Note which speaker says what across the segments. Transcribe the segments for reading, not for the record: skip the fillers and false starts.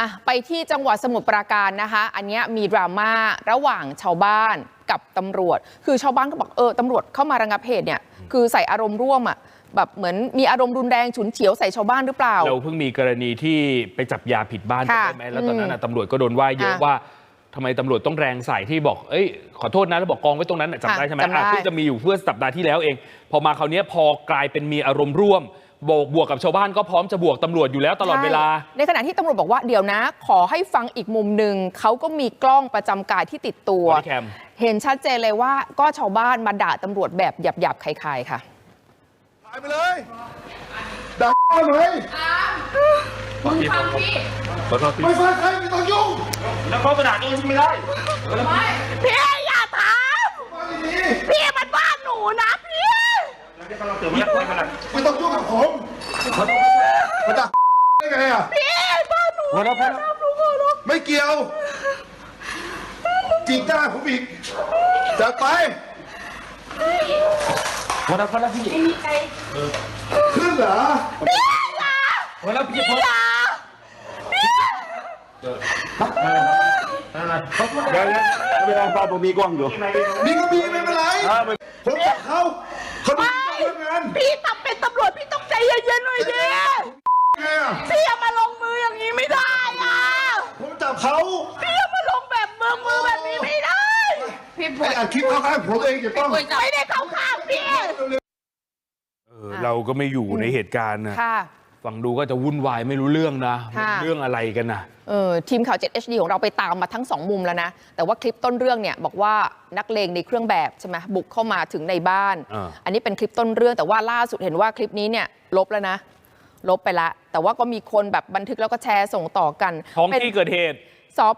Speaker 1: ไปที่จังหวัดสมุทรปราการนะคะอันนี้มีดราม่าระหว่างชาวบ้านกับตำรวจคือชาวบ้านก็บอกตำรวจเข้ามาระงับเหตุเนี่ยคือใส่อารมณ์ร่วมแบบเหมือนมีอารมณ์รุนแรงฉุนเฉียวใส่ชาวบ้านหรือเปล่า
Speaker 2: เราเพิ่งมีกรณีที่ไปจับยาผิดบ้านใช่ไหมแล้วตอนนั้นตำรวจก็โดนว่าเยอะว่าทำไมตำรวจต้องแรงใส่ที่บอกขอโทษนะแล้วบอกกองไว้ตรงนั้นจำได้ใช่ไหมที่จะมีอยู่เพื่อสัปดาห์ที่แล้วเองพอมาคราวนี้พอกลายเป็นมีอารมณ์ร่วมบวกกับชาวบ้านก็พร้อมจะบวกตำรวจอยู่แล้วตลอดเวลา
Speaker 1: ในขณะที่ตำรวจบอกว่าเดี๋ยวนะขอให้ฟังอีกมุมหนึ่งเขาก็มีกล้องประจำกายที่ติดตัวเห็นชัดเจนเลยว่าก็ชาวบ้านมาด่าตำรวจแบบหยาบๆคล้ายๆค่ะ
Speaker 3: ตายไปเลยด่าเลย
Speaker 4: มึงฟังพี่
Speaker 3: ไม่ฟังใครไม่ต้องยุ่ง
Speaker 2: แล้วเขากระดาษนี้ไม่ได้
Speaker 4: พี่อย่าทำพี่มันบ้านหนูนะพี่
Speaker 3: ไม่ต้องยุ่งกับผมมาด่าได้ไง
Speaker 4: พี่บ้านหนู
Speaker 3: ไม่เกี่ยวจีบหน้าผมอีกจากไป
Speaker 2: วันละพี่
Speaker 3: ขึ้นเหรอ
Speaker 4: พี่อย่า
Speaker 2: วันละพี่
Speaker 4: อย่า
Speaker 3: เวลาฟ้าผมมีกล้องอยู่มีก็มีไม่เป็นไรผมจับเขาดูงาน
Speaker 4: พี่ทำเป็นตำรวจพี่ต้องใจเย็นๆหน่อยดิพี่อย่ามาลงมืออย่างนี้ไม่ได้
Speaker 3: ผมจับเขา
Speaker 4: พี่อย่ามาลงแบบมือแบบนี้ไม่ได้
Speaker 3: พี่ไปอัดคลิปเขาข้างผมเองจะต้อง
Speaker 4: ไม่ได้เข้าข้างพี่
Speaker 2: เราก็ไม่อยู่ในเหตุการณ์นะฟังดูก็จะวุ่นวายไม่รู้เรื่องนะเรื่องอะไรกันนะ
Speaker 1: ทีมข่าว 7HD ของเราไปตามมาทั้ง2มุมแล้วนะแต่ว่าคลิปต้นเรื่องเนี่ยบอกว่านักเลงในเครื่องแบบใช่ไหมบุกเข้ามาถึงในบ้าน อันนี้เป็นคลิปต้นเรื่องแต่ว่าล่าสุดเห็นว่าคลิปนี้เนี่ยลบแล้วนะลบไปละแต่ว่าก็มีคนแบบบันทึกแล้วก็แชร์ส่งต่อกัน
Speaker 2: ท้องที่เกิดเหตุ
Speaker 1: สพ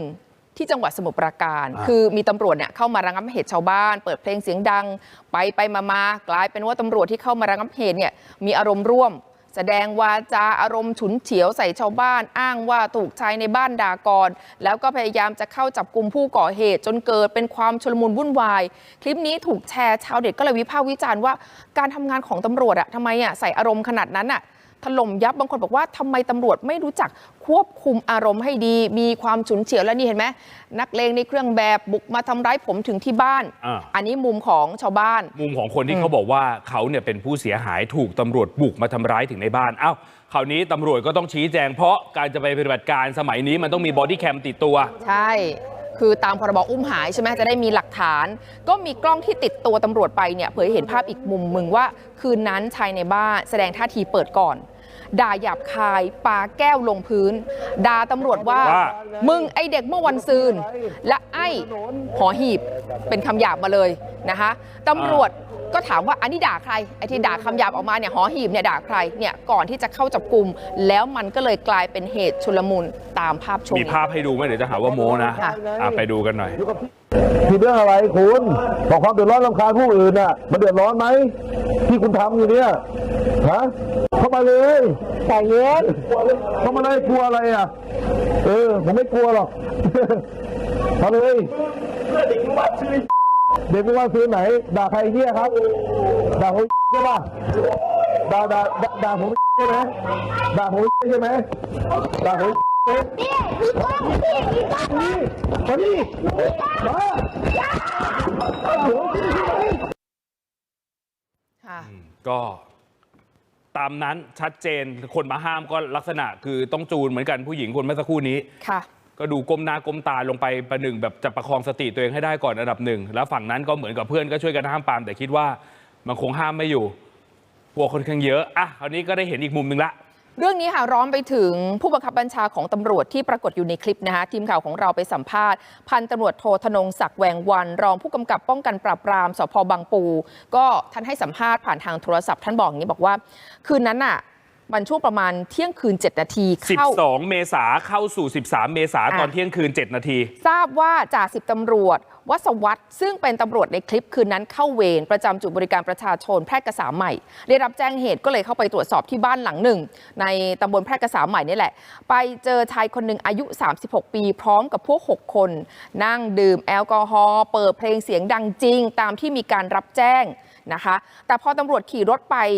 Speaker 1: .1ที่จังหวัดสมุทรปราการคือมีตำรวจเนี่ยเข้ามาระงับเหตุชาวบ้านเปิดเพลงเสียงดังไปมากลายเป็นว่าตำรวจที่เข้ามาระงับเหตุเนี่ยมีอารมณ์ร่วมแสดงวาจาอารมณ์ฉุนเฉียวใส่ชาวบ้านอ้างว่าถูกชายในบ้านด่าก่อนแล้วก็พยายามจะเข้าจับกุมผู้ก่อเหตุจนเกิดเป็นความชุลมุนวุ่นวายคลิปนี้ถูกแชร์ชาวเน็ตก็เลยวิพากษ์วิจารณ์ว่าการทำงานของตำรวจทำไมใส่อารมณ์ขนาดนั้นถล่มยับบางคนบอกว่าทำไมตำรวจไม่รู้จักควบคุมอารมณ์ให้ดีมีความฉุนเฉียวแล้วนี่เห็นไหมนักเลงในเครื่องแบบบุกมาทำร้ายผมถึงที่บ้านอันนี้มุมของชาวบ้าน
Speaker 2: มุมของคนที่เขาบอกว่าเขาเนี่ยเป็นผู้เสียหายถูกตำรวจบุกมาทำร้ายถึงในบ้านคราวนี้ตำรวจก็ต้องชี้แจงเพราะการจะไปปฏิบัติการสมัยนี้มันต้องมีบอดี้แคมติดตัว
Speaker 1: ใช่คือตามพรบอุ้มหายใช่ไหมจะได้มีหลักฐานก็มีกล้องที่ติดตัวตำรวจไปเนี่ยเผยเห็นภาพอีกมุมมึงว่าคืนนั้นชายในบ้านแสดงท่าทีเปิดก่อนด่าหยาบคายปาแก้วลงพื้นด่าตำรวจว่ามึงไอเด็กเมื่อวันซืนและไอ้หอหีบเป็นคำหยาบมาเลยนะคะตำรวจก็ถามว่าอันนี้ด่าใครไอ้ที่ด่าคำหยาบออกมาเนี่ยหอหีบเนี่ยด่าใครเนี่ยก่อนที่จะเข้าจับกุมแล้วมันก็เลยกลายเป็นเหตุชุลมุนตามภาพชม
Speaker 2: มีภาพให้ดูไหมเดี๋ยวจะหาว่าโมนะไปดูกันหน่อย
Speaker 5: คือเรื่องอะไรคุณบอกความเดือดร้อนรำคาญผู้อื่นมันเดือดร้อนไหมที่คุณทำอยู่เนี่ยเข้ามาเลยแต่เย็นเข้ามาเลยกลัวอะไรผมไม่กลัวหรอกมาเลยเด็กเมื่อวานซื้อไหนด่าใครเหี้ยครับด่าผมใช่ป่ะด่าผมใช่ไหมด่าผมใช่ไหมด่าผม
Speaker 2: ก็ตามนั้นชัดเจนคนมาห้ามก็ลักษณะคือต้องจูนเหมือนกันผู้หญิงคนเมื่อสักครู่นี้ก็ดูก้มหน้าก้มตาลงไปประหนึ่งแบบจะประคองสติตัวเองให้ได้ก่อนอันดับหนึ่งแล้วฝั่งนั้นก็เหมือนกับเพื่อนก็ช่วยกันห้ามปรามแต่คิดว่ามันคงห้ามไม่อยู่พวกคนข้างเยอะคราวนี้ก็ได้เห็นอีกมุมหนึ่งละ
Speaker 1: เรื่องนี้ค่ะร้อนไปถึงผู้บังคับบัญชาของตำรวจที่ปรากฏอยู่ในคลิปนะคะทีมข่าวของเราไปสัมภาษณ์พันตำรวจโทธนงศักดิ์แวงวันรองผู้กำกับป้องกันปราบปรามสพ.บางปูก็ท่านให้สัมภาษณ์ผ่านทางโทรศัพท์ท่านบอกอย่างนี้บอกว่าคืนนั้นมันช่วงประมาณเที่ยงคืน7 นาที
Speaker 2: 12 เมษาเข้าสู่13 เมษาตอนเที่ยงคืน7 นาที
Speaker 1: ทราบว่าจ่าสิบตำรวจวสวัฒน์ซึ่งเป็นตำรวจในคลิปคืนนั้นเข้าเวรประจำจุดบริการประชาชนแพร่กษาใหม่ได้รับแจ้งเหตุก็เลยเข้าไปตรวจสอบที่บ้านหลังหนึ่งในตำบลแพร่กษาใหม่นี่แหละไปเจอชายคนหนึ่งอายุ36 ปีพร้อมกับพวก6 คนนั่งดื่มแอลกอฮอล์เปิดเพลงเสียงดังจริงตามที่มีการรับแจ้งนะคะแต่พอตำรวจขี่รถไป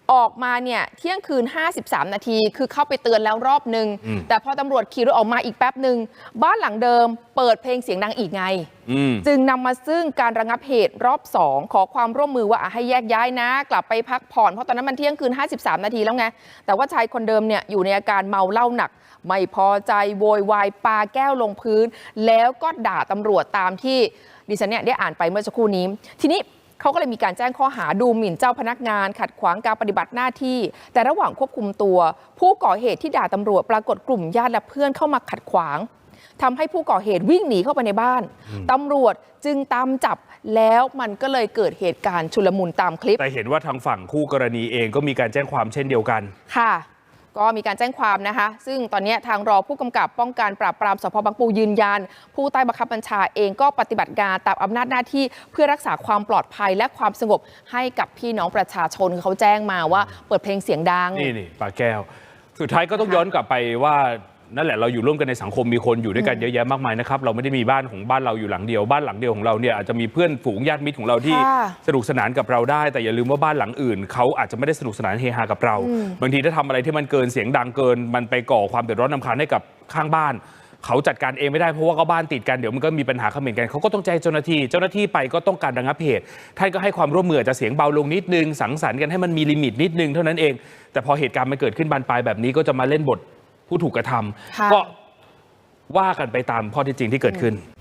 Speaker 1: ออกมาเนี่ยเที่ยงคืน53 นาทีคือเข้าไปเตือนแล้วรอบนึงแต่พอตำรวจขี่รถออกมาอีกแป๊บหนึ่งบ้านหลังเดิมเปิดเพลงเสียงดังอีกไงจึงนำมาซึ่งการระงับเหตุรอบ2ขอความร่วมมือว่าให้แยกย้ายนะกลับไปพักผ่อนเพราะตอนนั้นมันเที่ยงคืน53 นาทีแล้วไงแต่ว่าชายคนเดิมเนี่ยอยู่ในอาการเมาเหล้าหนักไม่พอใจโวยวายปาแก้วลงพื้นแล้วก็ด่าตำรวจตามที่ดิฉันเนี่ยได้อ่านไปเมื่อสักครู่นี้ทีนี้เขาก็เลยมีการแจ้งข้อหาดูหมิ่นเจ้าพนักงานขัดขวางการปฏิบัติหน้าที่แต่ระหว่างควบคุมตัวผู้ก่อเหตุที่ด่าตำรวจปรากฏกลุ่มญาติและเพื่อนเข้ามาขัดขวางทำให้ผู้ก่อเหตุวิ่งหนีเข้าไปในบ้านตำรวจจึงตามจับแล้วมันก็เลยเกิดเหตุการณ์ชุลมุนตามคลิป
Speaker 2: แต่เห็นว่าทางฝั่งคู่กรณีเองก็มีการแจ้งความเช่นเดียวกัน
Speaker 1: ค่ะก็มีการแจ้งความนะคะซึ่งตอนนี้ทางรองผู้กำกับป้องกันปราบปรามสพบางปูยืนยันผู้ใต้บังคับบัญชาเองก็ปฏิบัติการตามอำนาจหน้าที่เพื่อรักษาความปลอดภัยและความสงบให้กับพี่น้องประชาชนเขาแจ้งมาว่าเปิดเพลงเสียงดัง
Speaker 2: นี่ปาแก้วสุดท้ายก็ต้องย้อนกลับไปว่านั่นแหละเราอยู่ร่วมกันในสังคมมีคนอยู่ด้วยกันเยอะแยะมากมายนะครับเราไม่ได้มีบ้านของบ้านเราอยู่หลังเดียวบ้านหลังเดียวของเราเนี่ยอาจจะมีเพื่อนฝูงญาติมิตรของเราที่สนุกสนานกับเราได้แต่อย่าลืมว่าบ้านหลังอื่นเขาอาจจะไม่ได้สนุกสนานเฮฮากับเราบางทีถ้าทำอะไรที่มันเกินเสียงดังเกินมันไปก่อความเดือดร้อนรำคาญให้กับข้างบ้านเขาจัดการเองไม่ได้เพราะว่าก็บ้านติดกันเดี๋ยวมันก็มีปัญหาเขม่นกันเขาก็ต้องแจ้งเจ้าหน้าที่ไปก็ต้องการระงับเหตุท่านก็ให้ความร่วมมือจะเสียงเบาลงนิดนึงสังสรรค์กันให้มันมีลิมิตนิดนึงเท่านั้นเองแต่พอเหตุการณ์มันเกิดขึ้นบานปลายแบบนี้ก็จะมาเล่นบทผู้ถูกกระทำก็ว่ากันไปตามข้อเท็จจริงที่เกิดขึ้น